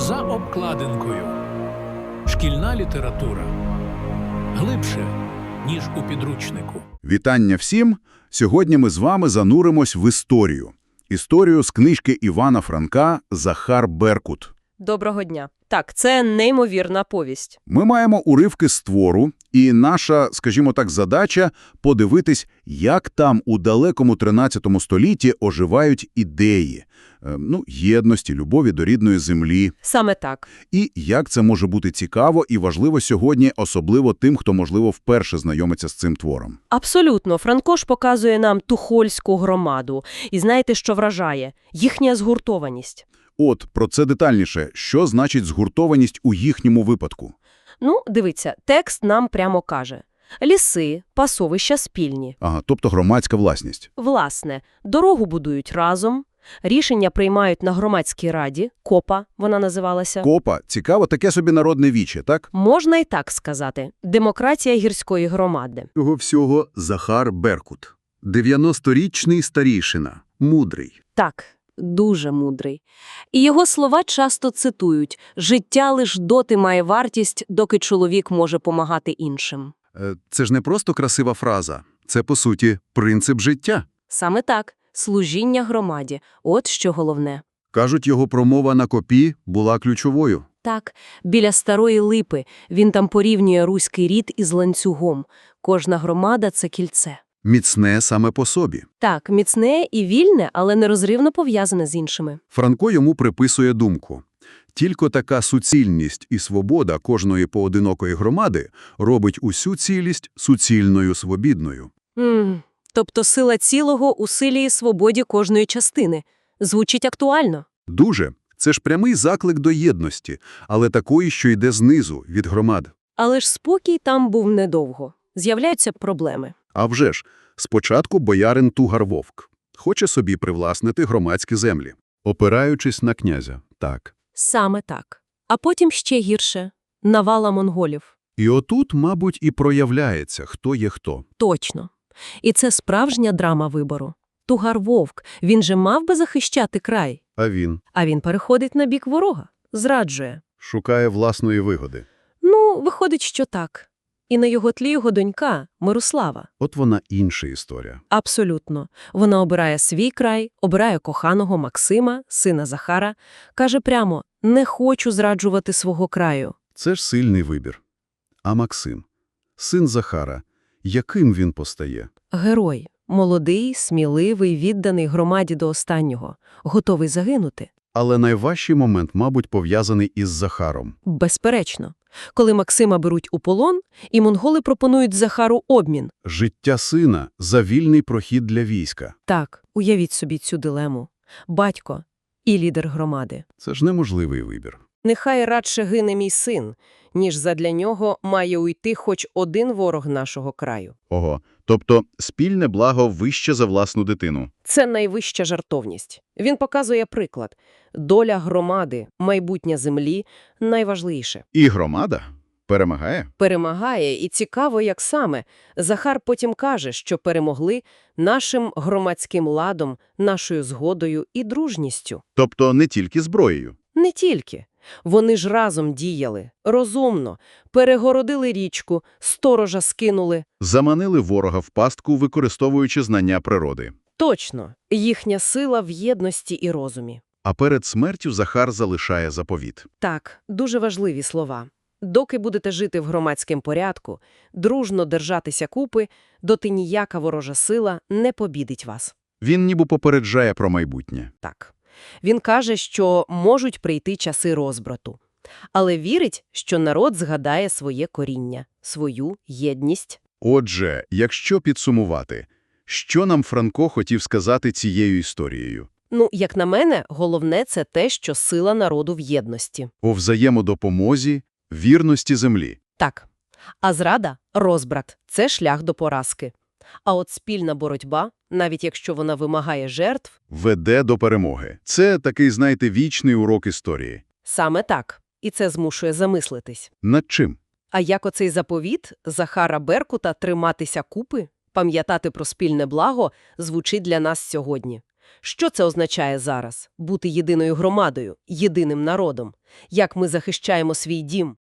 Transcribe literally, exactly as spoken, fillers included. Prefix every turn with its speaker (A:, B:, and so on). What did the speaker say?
A: За обкладинкою. Шкільна література. Глибше, ніж у підручнику.
B: Вітання всім! Сьогодні ми з вами зануримось в історію. Історію з книжки Івана Франка «Захар Беркут».
C: Доброго дня. Так, це неймовірна повість.
B: Ми маємо уривки з твору, і наша, скажімо так, задача – подивитись, як там у далекому тринадцятому столітті оживають ідеї, е, ну, єдності, любові до рідної землі.
C: Саме так.
B: І як це може бути цікаво і важливо сьогодні, особливо тим, хто, можливо, вперше знайомиться з цим твором.
C: Абсолютно. Франко ж показує нам тухольську громаду. І знаєте, що вражає? Їхня згуртованість.
B: От, про це детальніше. Що значить згуртованість у їхньому випадку?
C: Ну, дивіться, текст нам прямо каже. Ліси, пасовища спільні.
B: Ага, тобто громадська власність.
C: Власне, дорогу будують разом, рішення приймають на громадській раді, КОПа вона називалася.
B: Копа – цікаво, таке собі народне віче, так?
C: Можна і так сказати. Демократія гірської громади.
D: Цього всього Захар Беркут. дев'яносторічний старійшина. Мудрий.
C: Так, дуже мудрий. І його слова часто цитують «Життя лиш доти має вартість, доки чоловік може помагати іншим».
D: Е, Це ж не просто красива фраза. Це, по суті, принцип життя.
C: Саме так. Служіння громаді. От що головне.
D: Кажуть, його промова на копі була ключовою.
C: Так, біля Старої Липи він там порівнює руський рід із ланцюгом. Кожна громада – це кільце.
D: Міцне саме по собі.
C: Так, міцне і вільне, але нерозривно пов'язане з іншими.
D: Франко йому приписує думку. Тільки така суцільність і свобода кожної поодинокої громади робить усю цілість суцільною свобідною.
C: М, тобто сила цілого у силі і свободі кожної частини. Звучить актуально.
D: Дуже. Це ж прямий заклик до єдності, але такої, що йде знизу, від громад.
C: Але ж спокій там був недовго. З'являються проблеми.
D: А вже ж, спочатку боярин Тугар-Вовк хоче собі привласнити громадські землі, опираючись на князя, так.
C: Саме так. А потім ще гірше – навала монголів.
D: І отут, мабуть, і проявляється, хто є хто.
C: Точно. І це справжня драма вибору. Тугар-Вовк, він же мав би захищати край.
D: А він
C: А він переходить на бік ворога, зраджує.
D: шукає власної вигоди.
C: Ну, виходить, що так. І на його тлі його донька – Мирослава.
D: От вона інша історія.
C: Абсолютно. Вона обирає свій край, обирає коханого Максима, сина Захара. Каже прямо – не хочу зраджувати свого краю.
D: Це ж сильний вибір. А Максим, син Захара, яким він постає?
C: Герой. Молодий, сміливий, відданий громаді до останнього. Готовий загинути.
D: Але найважчий момент, мабуть, пов'язаний із Захаром.
C: Безперечно. Коли Максима беруть у полон, і монголи пропонують Захару обмін.
D: Життя сина за вільний прохід для війська.
C: Так, уявіть собі цю дилему. Батько і лідер громади.
D: Це ж неможливий вибір.
C: Нехай радше гине мій син, ніж задля нього має уйти хоч один ворог нашого краю.
B: Ого, тобто спільне благо вище за власну дитину.
C: Це найвища жартовність. Він показує приклад. Доля громади, майбутнє землі – найважливіше.
B: І громада перемагає?
C: Перемагає, і цікаво, як саме. Захар потім каже, що перемогли нашим громадським ладом, нашою згодою і дружністю.
B: Тобто не тільки зброєю.
C: Не тільки. Вони ж разом діяли, розумно, перегородили річку, сторожа скинули.
B: Заманили ворога в пастку, використовуючи знання природи.
C: Точно, їхня сила в єдності і розумі.
B: А перед смертю Захар залишає заповіт.
C: Так, дуже важливі слова. Доки будете жити в громадському порядку, дружно держатися купи, доти ніяка ворожа сила не побідить вас.
B: Він ніби попереджає про майбутнє.
C: Так. Він каже, що можуть прийти часи розбрату. Але вірить, що народ згадає своє коріння, свою єдність.
B: Отже, якщо підсумувати, що нам Франко хотів сказати цією історією?
C: Ну, як на мене, головне – це те, що сила народу в єдності.
B: У взаємодопомозі, вірності землі.
C: Так. А зрада – розбрат. Це шлях до поразки. А от спільна боротьба, навіть якщо вона вимагає жертв,
B: Веде до перемоги. Це такий, знаєте, вічний урок історії.
C: саме так. І це змушує замислитись.
B: Над чим?
C: А як оцей заповіт Захара Беркута «триматися купи», пам'ятати про спільне благо, звучить для нас сьогодні? Що це означає зараз – бути єдиною громадою, єдиним народом? Як ми захищаємо свій дім?